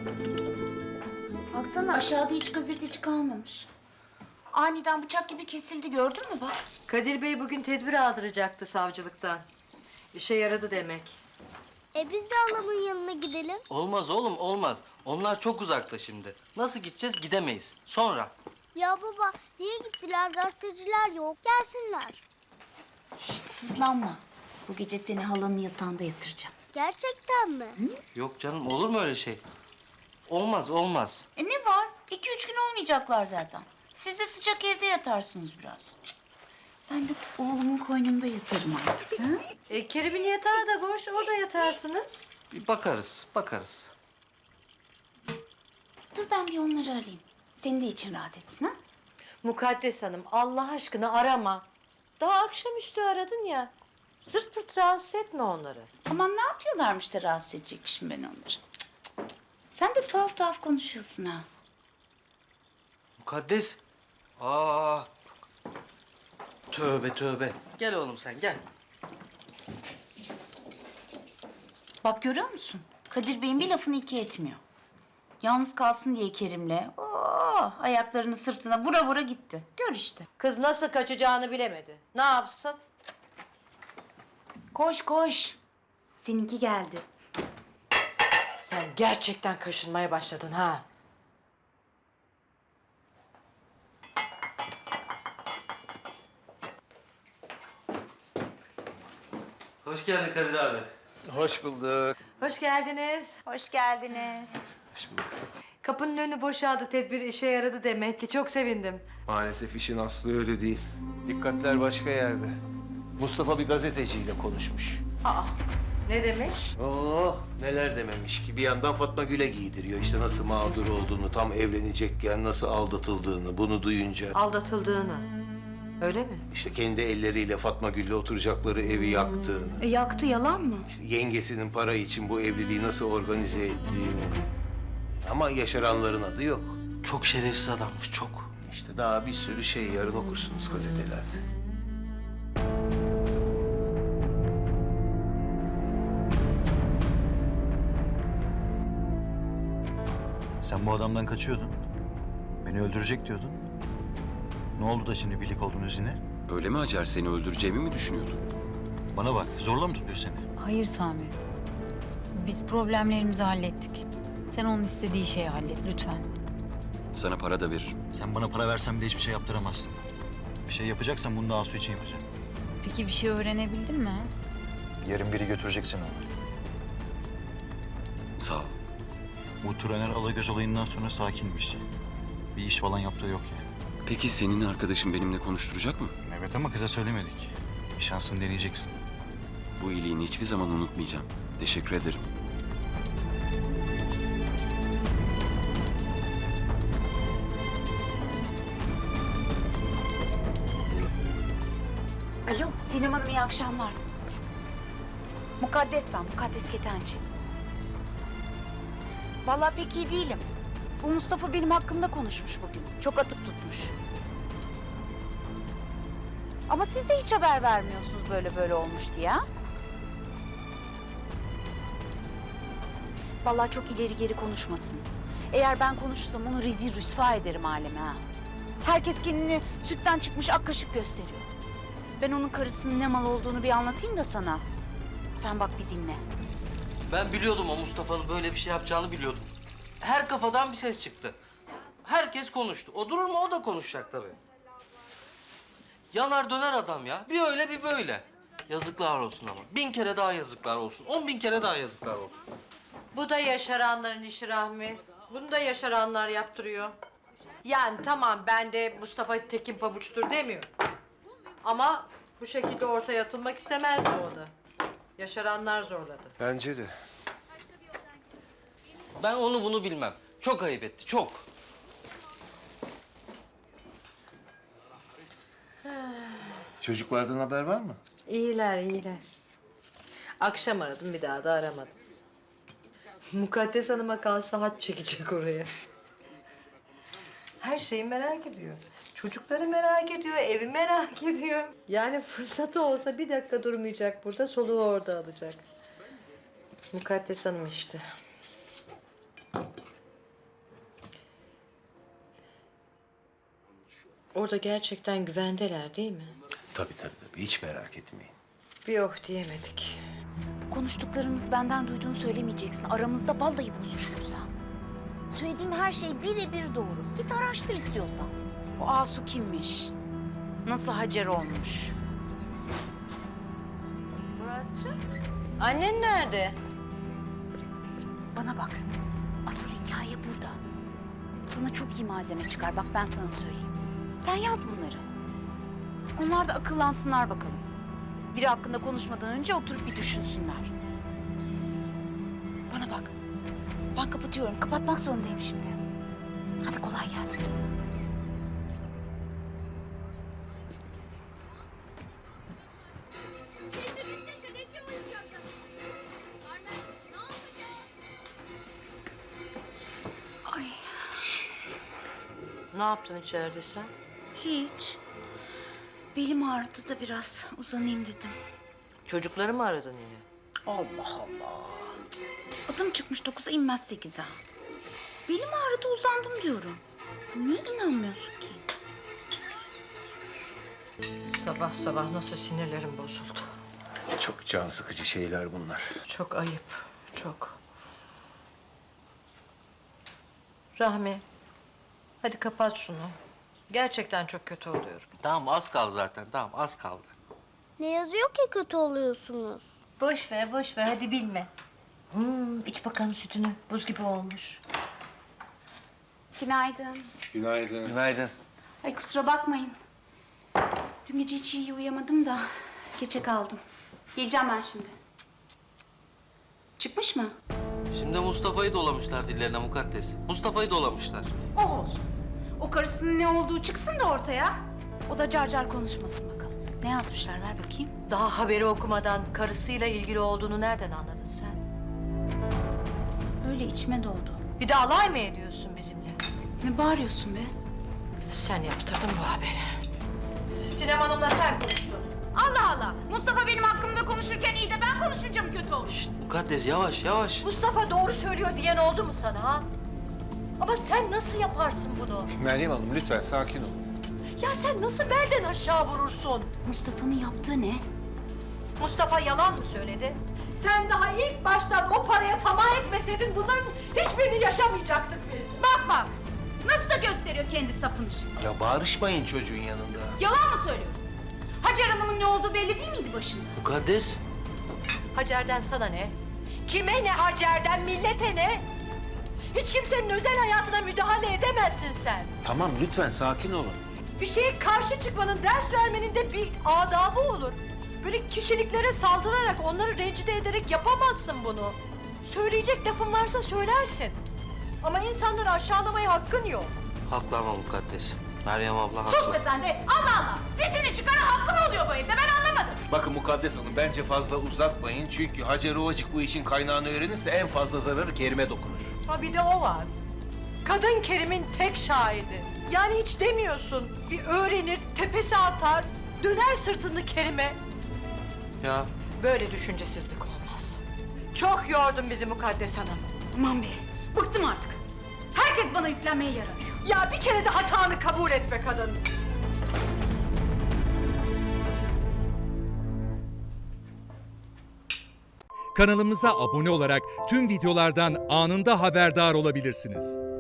Baksana aşağıda hiç gazeteci kalmamış. Aniden bıçak gibi kesildi, gördün mü bak? Kadir Bey bugün tedbir aldıracaktı savcılıktan. İşe yaradı demek. Biz de halamın yanına gidelim. Olmaz oğlum, olmaz. Onlar çok uzakta şimdi. Nasıl gideceğiz? Gidemeyiz. Sonra. Ya baba niye gittiler? Gazeteciler yok. Gelsinler. Şşt, sızlanma. Bu gece seni halanın yatağında yatıracağım. Gerçekten mi? Yok canım, olur mu öyle şey? Olmaz, olmaz. Ne var? 2-3 gün olmayacaklar zaten. Siz de sıcak evde yatarsınız biraz. Ben de oğlumun koynunda yatarım artık. Ha? Kerim'in yatağı da boş, orada yatarsınız. Bir bakarız, bakarız. Dur ben bir onları arayayım. Senin de için rahat etsin ha? Mukaddes Hanım, Allah aşkına arama. Daha akşamüstü aradın ya. Zırt pırt rahatsız etme onları. Aman ne yapıyorlarmış da rahatsız edecekmişim ben onları. Cık, cık, cık. Sen de tuhaf tuhaf konuşuyorsun ha. Mukaddes. Aa. Tövbe tövbe. Gel oğlum sen, gel. Bak görüyor musun? Kadir Bey'in bir lafını iki etmiyor. Yalnız kalsın diye Kerim'le ayaklarını sırtına vura vura gitti. Gör işte. Kız nasıl kaçacağını bilemedi. Ne yapsın? Koş koş. Seninki geldi. Sen gerçekten kaşınmaya başladın ha. Hoş geldin Kadir abi. Hoş bulduk. Hoş geldiniz. Hoş geldiniz. Kapının önü boşaldı, tedbir işe yaradı demek ki. Çok sevindim. Maalesef işin aslı öyle değil. Dikkatler başka yerde. Mustafa bir gazeteciyle konuşmuş. Ne demiş? Neler dememiş ki. Bir yandan Fatma Gül'e giydiriyor. İşte nasıl mağdur olduğunu, tam evlenecekken nasıl aldatıldığını, bunu duyunca. Aldatıldığını. Öyle mi? İşte kendi elleriyle Fatma Gül'le oturacakları evi yaktığını. Yaktı yalan mı? Yengesinin para için bu evliliği nasıl organize ettiğini. Ama yaşaranların adı yok. Çok şerefsiz adammış, çok. İşte daha bir sürü şey yarın okursunuz gazetelerde. Sen bu adamdan kaçıyordun. Beni öldürecek diyordun. Ne oldu da şimdi birlik oldunuz yine? Öyle mi Hacer? Seni öldüreceğimi mi düşünüyordun? Bana bak, zorla mı tutuyor seni? Hayır Sami. Biz problemlerimizi hallettik. Sen onun istediği şeyi hallet lütfen. Sana para da veririm. Sen bana para versen bile hiçbir şey yaptıramazsın. Bir şey yapacaksan bunu da Asu için yapacağım. Peki bir şey öğrenebildin mi? Yarın biri götürecek seni ona. Sağ ol. Bu Turaner Alagöz olayından sonra sakinmiş. Bir iş falan yaptığı yok yani. Peki senin arkadaşın benimle konuşturacak mı? Evet ama kıza söylemedik. Bir şansını deneyeceksin. Bu iyiliğini hiçbir zaman unutmayacağım. Teşekkür ederim. Alo Sinem Hanım, iyi akşamlar. Mukaddes ben, Mukaddes Ketenci. Vallahi pek iyi değilim. Bu Mustafa benim hakkımda konuşmuş bugün. Çok atıp tutmuş. Ama siz de hiç haber vermiyorsunuz böyle böyle olmuş diye ha? Vallahi çok ileri geri konuşmasın. Eğer ben konuşursam onu rezil rüsva ederim aleme ha. Herkes kendini sütten çıkmış ak kaşık gösteriyor. Ben onun karısının ne mal olduğunu bir anlatayım da sana. Sen bak bir dinle. Ben biliyordum o Mustafa'nın böyle bir şey yapacağını biliyordum. Her kafadan bir ses çıktı. Herkes konuştu. O durur mu? O da konuşacak tabii. Yanar döner adam ya. Bir öyle bir böyle. Yazıklar olsun ama. 1000 kere daha yazıklar olsun. 10.000 kere daha yazıklar olsun. Bu da yaşaranların işi Rahmi. Bunu da yaşaranlar yaptırıyor. Yani tamam, ben de Mustafa Tekin pabuçtur demiyorum. Ama bu şekilde ortaya atılmak istemezdi o da. Yaşaranlar zorladı. Bence de. Ben onu bunu bilmem. Çok ayıp etti, çok. Çocuklardan haber var mı? İyiler, iyiler. Akşam aradım, bir daha da aramadım. Mukaddes Hanım'a kalsa haç çekecek oraya. Her şeyi merak ediyor. Çocukları merak ediyor, evi merak ediyor. Yani fırsatı olsa bir dakika durmayacak burada, soluğu orada alacak. Mukaddes Hanım işte. Orada gerçekten güvendeler değil mi? Tabii. Hiç merak etmeyin. Bir oh diyemedik. Konuştuklarımız benden duyduğunu söylemeyeceksin. Aramızda vallahi bozuşuruz ha. Söylediğim her şey birebir doğru. Git araştır istiyorsan. O Asu kimmiş? Nasıl Hacer olmuş? Muratcığım, annen nerede? Bana bak. Asıl hikaye burada. Sana çok iyi malzeme çıkar. Bak ben sana söyleyeyim. Sen yaz bunları. Onlar da akıllansınlar bakalım. Biri hakkında konuşmadan önce oturup bir düşünsünler. Bana bak. Ben kapatıyorum. Kapatmak zorundayım şimdi. Hadi kolay gelsin sana. Ay Ne yaptın içeride sen? hiç. Belim ağrıdı da biraz uzanayım dedim. Çocukları mı aradın yine? Allah Allah. Adım çıkmış 9'a inmez 8'e. Belim ağrıdı uzandım diyorum. Niye inanmıyorsun ki? Sabah sabah nasıl sinirlerim bozuldu. Çok can sıkıcı şeyler bunlar. Çok ayıp, çok. Rahmi, hadi kapat şunu. Gerçekten çok kötü oluyorum. Tamam az kaldı zaten. Tamam az kaldı. Ne yazıyor ki kötü oluyorsunuz? Boş ver, hadi bilme. İç bakalım sütünü, buz gibi olmuş. Günaydın. Günaydın. Günaydın. Ay kusura bakmayın. Dün gece hiç iyi uyuyamadım da geçe kaldım. Geleceğim ben şimdi. Çıkmış mı? Şimdi Mustafa'yı dolamışlar dillerine mukaddes. Mustafa'yı dolamışlar. O olsun. O karısının ne olduğu çıksın da ortaya. O da car car konuşmasın bakalım. Ne yazmışlar ver bakayım. Daha haberi okumadan karısıyla ilgili olduğunu nereden anladın sen? Öyle içime doğdu. Bir de alay mı ediyorsun bizimle? Ne bağırıyorsun be? Sen yaptırdın bu haberi. Sinem Hanım'la sen konuştun. Allah Allah. Mustafa benim hakkımda konuşurken iyi de ben konuşunca mı kötü olur? Mukaddes yavaş yavaş. Mustafa doğru söylüyor diyen oldu mu sana ha? Ama sen nasıl yaparsın bunu? Meryem Hanım lütfen sakin olun. Ya sen nasıl belden aşağı vurursun? Mustafa'nın yaptığı ne? Mustafa yalan mı söyledi? Sen daha ilk baştan o paraya tamah etmeseydin bunların hiçbirini yaşamayacaktık biz. Bak bak. Nasıl da gösteriyor kendi sapını şimdi. Ya bağırışmayın çocuğun yanında. Yalan mı söylüyor? Hacer Hanım'ın ne olduğu belli değil miydi başında? Mukaddes. Hacer'den sana ne? Kime ne Hacer'den, millete ne? Hiç kimsenin özel hayatına müdahale edemezsin sen. Tamam lütfen sakin olun. Bir şeye karşı çıkmanın, ders vermenin de bir adabı olur. Böyle kişiliklere saldırarak, onları rencide ederek yapamazsın bunu. Söyleyecek lafın varsa söylersin. Ama insanları aşağılamaya hakkın yok. Haklı ama mukaddes. Meryem abla haklı. Sus be sen de. Allah Allah. Sesini çıkaran hakkı mı oluyor bu evde? Ben anlamadım. Bakın Mukaddes Hanım bence fazla uzatmayın. Çünkü Hacer Ovacık bu işin kaynağını öğrenirse en fazla zararı Kerim'e dokunur. Ha bir de o var. Kadın Kerim'in tek şahidi. Yani hiç demiyorsun. Bir öğrenir, tepesi atar, döner sırtını Kerim'e. Ya Böyle düşüncesizlik olmaz. Çok yordun bizi Mukaddes Hanım. Aman be. Bıktım artık. Herkes bana yüklenmeye yaranıyor. Ya bir kere de hatanı kabul et be kadın. Kanalımıza abone olarak tüm videolardan anında haberdar olabilirsiniz.